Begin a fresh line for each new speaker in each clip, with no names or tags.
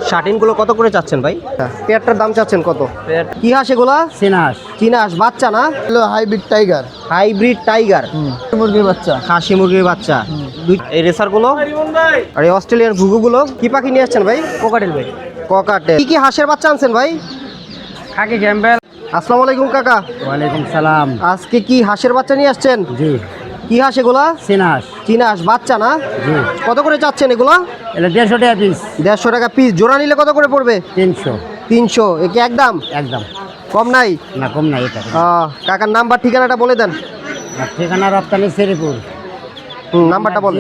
শার্টিনগুলো কত করে চাচ্ছেন ভাই? পেয়ারটার দাম চাচ্ছেন কত? কি হাঁস এগুলা?
চীনা হাঁস।
চীনা হাঁস বাচ্চা না?
হলো হাইব্রিড টাইগার।
হাইব্রিড টাইগার
মুরগির বাচ্চা।
খাসি মুরগির বাচ্চা। এই রেসারগুলো আর এই অস্ট্রেলিয়ান ঘুঘুগুলো কি পাখি নিয়ে আসছেন ভাই?
কোকাটেল ভাই।
ককাটেল। কি কি হাঁসের বাচ্চা আনছেন ভাই?
Khaki Campbell.
আসসালামু আলাইকুম কাকা।
ওয়ালাইকুম সালাম।
আজকে কি হাঁসের বাচ্চা নিয়ে আসছেন?
জি।
কি হাঁস এগুলা?
চীনা হাঁস।
চীনা হাঁস বাচ্চা না?
জি।
কত করে চাচ্ছেন এগুলা?
এটা 150 টাকা পিস।
150 টাকা পিস। জোড়া নিলে কত করে পড়বে?
300।
300। একে একদম
একদম
কম নাই?
না, কম নাই এটা।
কাকার নাম্বার ঠিকানাটা বলে দেন।
আর ঠিকানা রপ্তানি শ্রীপুর।
নাম্বারটা বলেন।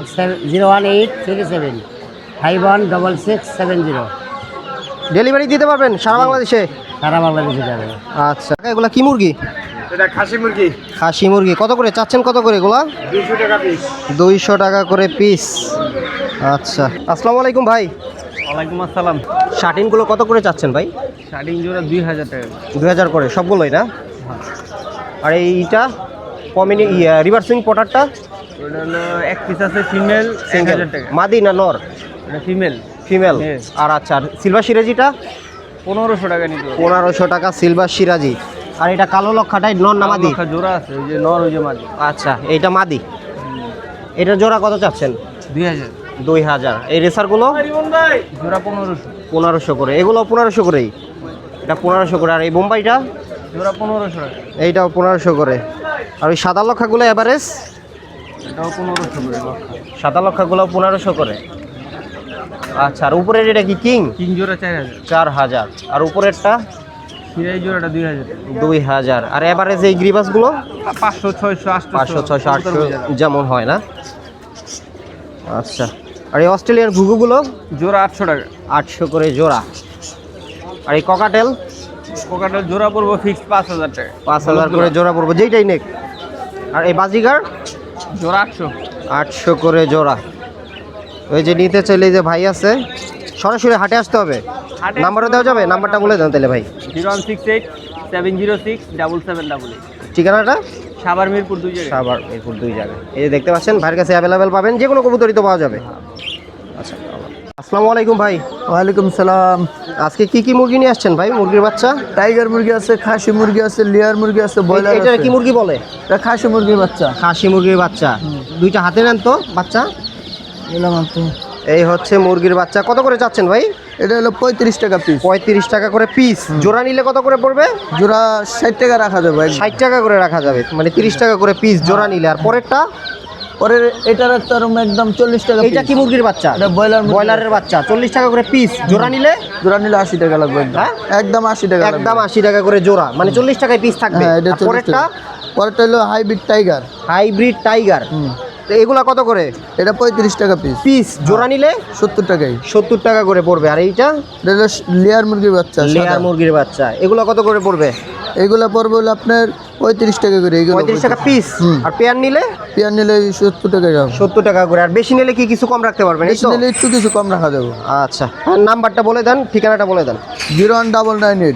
01837 516670।
ডেলিভারি দিতে পারবেন সারা বাংলাদেশে?
সারা বাংলাদেশে যাবে।
আচ্ছা এগুলা কি মুরগি?
এটা খাসি মুরগি।
খাসি মুরগি কত করে চাচ্ছেন? কত করে এগুলা?
200 টাকা পিস।
200 টাকা করে পিস। আচ্ছা আসসালামু আলাইকুম ভাই।
ওয়ালাইকুম আসসালাম।
শার্টিনগুলো কত করে চাচ্ছেন ভাই?
শার্টিং জোড়া 2000 টাকা।
2000 করে সবগুলোই না? আর এইটা কমিনি রিভার্সিং পটারটা
ওটা হলো এক পিস আছে ফিমেল 1000 টাকা।
মাদি না নর?
এটা ফিমেল।
ফিমেল।
Yes.
আর আচ্ছা সিলভার সিরাজিটা
1500 টাকা নিতে হবে।
1500 টাকা সিলভার সিরাজি। আর এটা কালো লক্ষাটাই নর না মাদি?
লক্ষা জোড়া আছে, ওই যে নর ওই যে মাদি।
আচ্ছা এইটা মাদি। এটা জোড়া কত চাচ্ছেন?
2000।
2000। এই রেসারগুলো
জোড়া 1500।
1500 করে। এগুলো 1500 করেই। এটা 1500 করে। আর এই বোম্বাইটা
জোড়া 1500 টাকা।
এইটাও 1500 করে। আর ওই সাদা লক্ষাগুলো এভারেজ?
এটাও 1500 করে লক্ষা।
সাদা লক্ষাগুলো 1500 করে। আচ্ছা আর উপরের এটা কি কিং?
তিন জোড়া 4000।
4000। আর উপরেরটা
সিরাই জোড়াটা 2000 টাকা।
2000। আর এভারেজ এই গ্রিবাসগুলো
500 600 800
500 600 800 যেমন হয় না? আচ্ছা আর এই অস্ট্রেলিয়ান ঘুঘুগুলো
জোড়া 800 টাকা।
800 করে জোড়া। আর এই ককাটেল
কোকাটেল জোড়া পড়বো ফিক্সড 5000 টাকা।
5000 করে জোড়া পড়বো যেইটাই নেক। আর এই বাজিগার
জোড়া 800।
800 করে জোড়া। ওই যে নিতে চাইলে যে ভাই আছে সরাসরি হাটে আসতে হবে।
হাটে
নাম্বারও দেওয়া যাবে? নাম্বারটা বলে দেন তাহলে ভাই।
0168 706 7788।
ঠিকানাটা?
সাভার মিরপুর 2 জায়গায়।
সাভার মিরপুর 2 জায়গায়। এই যে দেখতে পাচ্ছেন ভাইয়ের কাছে অ্যাভেলেবেল পাবেন, যে কোনো কবুতরই তো পাওয়া যাবে। আচ্ছা আসসালামু আলাইকুম ভাই।
ওয়ালাইকুম সালাম।
আজকে কি কি মুরগি নিয়ে আসছেন ভাই? মুরগির বাচ্চা?
টাইগার মুরগি আছে, খাসি মুরগি আছে, লেয়ার মুরগি আছে, ব্রয়লার
এটা
আছে।
কি মুরগি বলে?
এটা খাসি মুরগির বাচ্চা।
খাসি মুরগির বাচ্চা। দুইটা হাতে নেন তো বাচ্চা।
এলাম আপনি।
এই হচ্ছে মুরগির বাচ্চা। কত করে চাচ্ছেন ভাই?
এটা হলো 35 টাকা পিস।
35 টাকা করে পিস। জোড়া নিলে কত করে পড়বে?
জোড়া 60 টাকা রাখা যাবে।
60 টাকা করে রাখা যাবে, মানে 30 টাকা করে পিস জোড়া নিলে। আর পরেরটা?
পরের এটা রাখতে পারবো একদম 40 টাকা।
এইটা কি মুরগির বাচ্চা?
এটা ব্রয়লার।
ব্রয়লারের বাচ্চা। 40 টাকা করে পিস। জোড়া নিলে?
জোড়া নিলে 80 টাকা লাগবে একদম।
হ্যাঁ?
একদম 80 টাকা লাগবে।
একদম 80 টাকা করে জোড়া, মানে 40 টাকায় পিস থাকবে।
হ্যাঁ, এটা
আর
40
পরেরটা?
টাকা। পরেরটা হলো হাইব্রিড টাইগার।
Hybrid tiger. তো এগুলা কত করে
এটা 35 টাকা পিস।
পিস? জোড়া নিলে
70 টাকাই।
70 টাকা করে পড়বে। আর এইটা?
এটা হলো লেয়ার মুরগির বাচ্চা।
লেয়ার মুরগির বাচ্চা। এগুলো কত করে পড়বে?
এগুলা পড়বে হলো আপনার 35 টাকা করে। এগুলো
35 টাকা পিস। আর পেয়ার নিলে?
পেয়ার নিলে 70 টাকা যাবে।
70 টাকা করে। আর বেশি নিলে কি কিছু কম রাখতে পারবেন? এই
বেশি
তো?
নিলে একটু কিছু কম রাখা যাবে।
আচ্ছা আর নাম্বারটা বলে দেন, ঠিকানাটা বলে দেন।
01998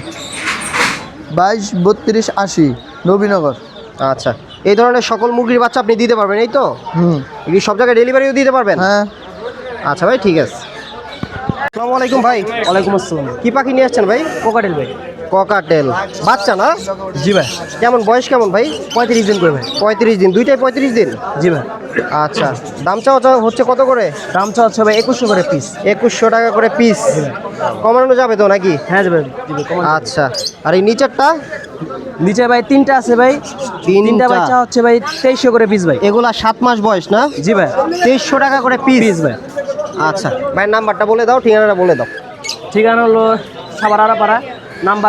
22 32 80 নবীনগর।
আচ্ছা এই ধরনের সকল মুরগির বাচ্চা আপনি দিতে পারবেন, এই তো? কি সব জায়গায় ডেলিভারিও দিতে পারবেন?
হ্যাঁ।
আচ্ছা ভাই ঠিক আছে। আসসালামু আলাইকুম ভাই।
ওয়ালাইকুম আসসালাম।
কি পাখি নিয়ে আসছেন ভাই?
কোকাটেল ভাই।
ককাটেল বাচ্চা না?
জি ভাই।
কেমন বয়স কেমন ভাই?
35 দিন করে ভাই।
35 দিন। দুইটাই 35 দিন?
জি ভাই।
আচ্ছা দাম চাওয়া হচ্ছে কত করে?
দাম চাচ্ছে ভাই 2100 করে পিস।
2100 টাকা করে পিস। কমানো যাবে তো নাকি?
হ্যাঁ জি ভাই।
আচ্ছা আর এই নিচেরটা?
নিচে ভাই তিনটা আছে ভাই। তিনটা
বাচ্চা
বাচ্চা হচ্ছে ভাই 2300 করে পিস ভাই।
এগুলা 7 মাস বয়স না?
জি ভাই।
2300 টাকা করে পিস
ভাই।
আচ্ছা ভাই নাম্বারটা বলে দাও, ঠিকানাটা বলে দাও।
ঠিকানা হলো সাভার আড়াপাড়া। নাম্বার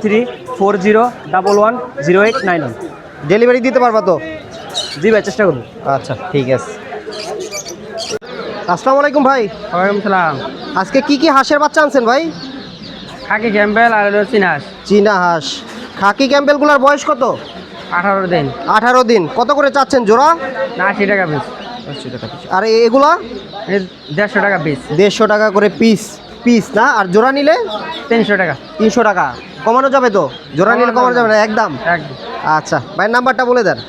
01340110891।
ডেলিভারি দিতে পারবা তো?
জি ভাই চেষ্টা করবো।
আচ্ছা ঠিক আছে। আসসালামু আলাইকুম ভাই।
ওয়ালাইকুম সালাম।
আজকে কি কি হাঁসের বাচ্চা আনছেন ভাই?
খাকি ক্যাম্বেল আর হলো চীনা হাঁস।
চীনা হাঁস। খাকি ক্যাম্বেলগুলোর বয়স কত?
18 দিন।
18 দিন। কত করে চাচ্ছেন জোড়া?
80 টাকা পিস।
80 টাকা পিস। আর এগুলা?
150 টাকা পিস।
150 টাকা করে পিস। পিস না? আর জোড়া নিলে?
300 টাকা।
300 টাকা। কমানো যাবে তো? জোড়া নিলে কমানো যাবে না একদম?
একদম।
আচ্ছা ভাইয়ের নাম্বারটা বলে দেন।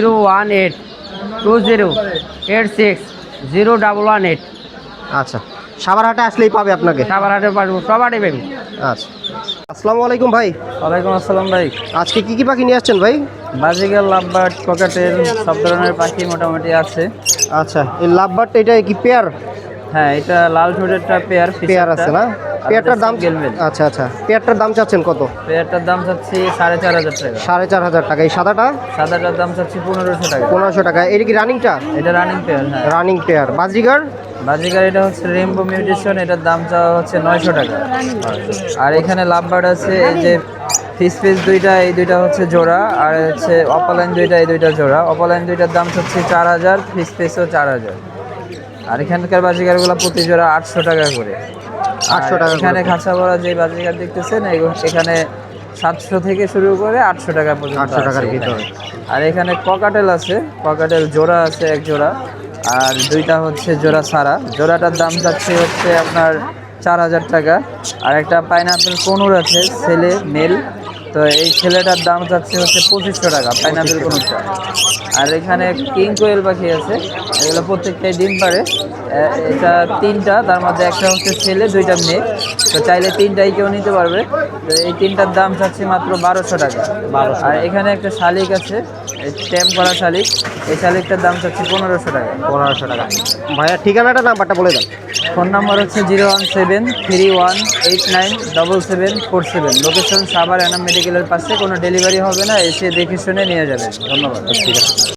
01820860118।
আচ্ছা সাভার হাটে আসলেই পাবে আপনাকে।
সাভার হাটে পারবো, সব হাটে পাবি।
আচ্ছা, আসসালামু আলাইকুম ভাই।
ওয়ালাইকুম আসসালাম ভাই।
আজকে কি কি পাখি নিয়ে আসছেন ভাই?
বাজিগার, লাভবার্ড, ককাটেল সব ধরনের পাখি মোটামুটি আছে।
আচ্ছা, এই লাভবার্ড এটা কি পেয়ার?
হ্যাঁ, এটা লাল ঠোঁটেরটা পেয়ার,
পেয়ার আছে না? পেয়ারটার দাম
গেলবেল।
আচ্ছা আচ্ছা, পেয়ারটার দাম চাচ্ছেন কত?
পেয়ারটার দাম চাচ্ছি 4,500 টাকা।
4,500 টাকা। এই সাদাটা?
সাদাটার দাম চাচ্ছি 1500 টাকা।
1500 টাকা। এটা কি রানিংটা?
এটা রানিং পেয়ার। হ্যাঁ,
রানিং পেয়ার। বাজিগার?
বাজিগার এটা হচ্ছে রেইনবো মিউটেশন, এটার দাম চাওয়া হচ্ছে 900 টাকা। আর এখানে লাভবার্ড আছে, এই যে ফিস দুইটা, এই দুইটা হচ্ছে জোড়া, আর হচ্ছে অপালাইন দুইটা, এই দুইটা জোড়া। অপালাইন দুইটার দাম হচ্ছে 4000, ফিসও 4000। আর এখানকার বাজিগারগুলো প্রতি জোড়া 800 টাকা করে।
800 টাকা।
এখানে খাঁচা ভরা যে বাজিগার দেখতেছেন, এখানে 700 থেকে শুরু করে 800 টাকা পর্যন্ত।
800 টাকার
আছে
ভিতরে।
এখানে। আর এখানে ককাটেল আছে, ককাটেল জোড়া আছে এক জোড়া, আর দুইটা হচ্ছে জোড়া সারা। জোড়াটার দাম যাচ্ছে হচ্ছে আপনার 4000 টাকা। আর একটা পাইনাপেল কোনুর আছে, ছেলে মেল, তো এই ছেলেটার দাম যাচ্ছে হচ্ছে 2500 টাকা, পাইনাপেল কোনুরটা। আর এখানে কিং কোয়েল পাখি আছে, এগুলো প্রত্যেকটাই ডিম পারে। এটা 3টা, তার মধ্যে একটা হচ্ছে ছেলে, 2টা মেয়ে, তো চাইলে 3টাই কেউ নিতে পারবে। তো এই 3টার দাম চাচ্ছি মাত্র 1200 টাকা। আর এখানে একটা শালিক আছে, ট্যাম করা শালিক, এই শালিকটার দাম চাচ্ছি 1500 টাকা।
1500 টাকা। ভাইয়া ঠিকানাটা নাম্বারটা বলে দেন।
ফোন নাম্বার হচ্ছে 01731897747। লোকেশন সাভার এনাম মেডিকেলের পাশে। কোনো ডেলিভারি হবে না, এসে দেখে শুনে নিয়ে যাবেন। ধন্যবাদ।
ঠিক আছে।